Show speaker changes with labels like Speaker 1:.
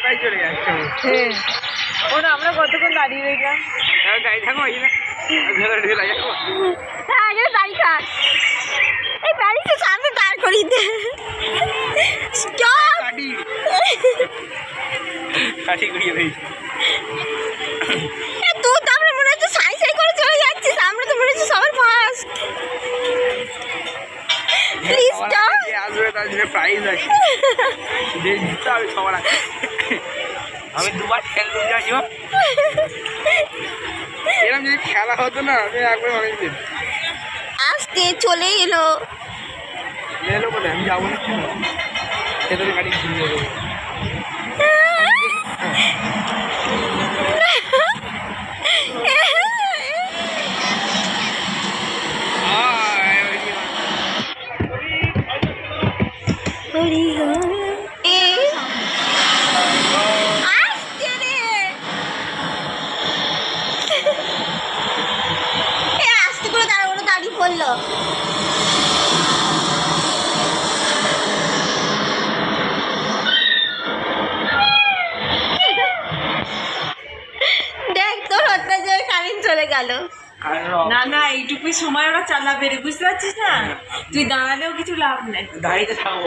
Speaker 1: রাস্তায় চলে যাচ্ছে।
Speaker 2: হ্যাঁ ওরা আমরা কতক্ষণ দাঁড়িয়ে রইলাম।
Speaker 1: গাড়ি থাকো
Speaker 2: আগে দাঁড়ি থাক, এই গাড়িতে সামনে দাঁড় করিয়ে দে। স্টপ
Speaker 1: কাঠি ঘুরিয়ে দিয়েছি।
Speaker 2: তুই তো আমরা মনে হচ্ছে সাই সাই করে চলে যাচ্ছিস, আমরা তো মনে হচ্ছে সবার ফার্স্ট। Please stop.
Speaker 1: আসবে তার জন্য প্রাইজ আছে, জিততে হবে সবার আগে। আমি দুবার খেলতে যাচ্ছি। এরকম যদি খেলা হতো না আমি একবার অনেক দিন
Speaker 2: আসতে চলে এলো।
Speaker 1: এলো বলে আমি যাবো না, খেতে গাড়ি ঘুরিয়ে দেবো।
Speaker 2: আসতে করে দাঁড়া, ওরা দাঁড়িয়ে পড়লো। দেখ তোর অত্যাচার কারেন্ট চলে গেল।
Speaker 3: না না এইটুকুই সময় ওরা চালাবে রে, বুঝতে পারছিস না? তুই দাঁড়ালেও কিছু লাভ নেই।
Speaker 1: দাঁড়িয়ে থাকবো।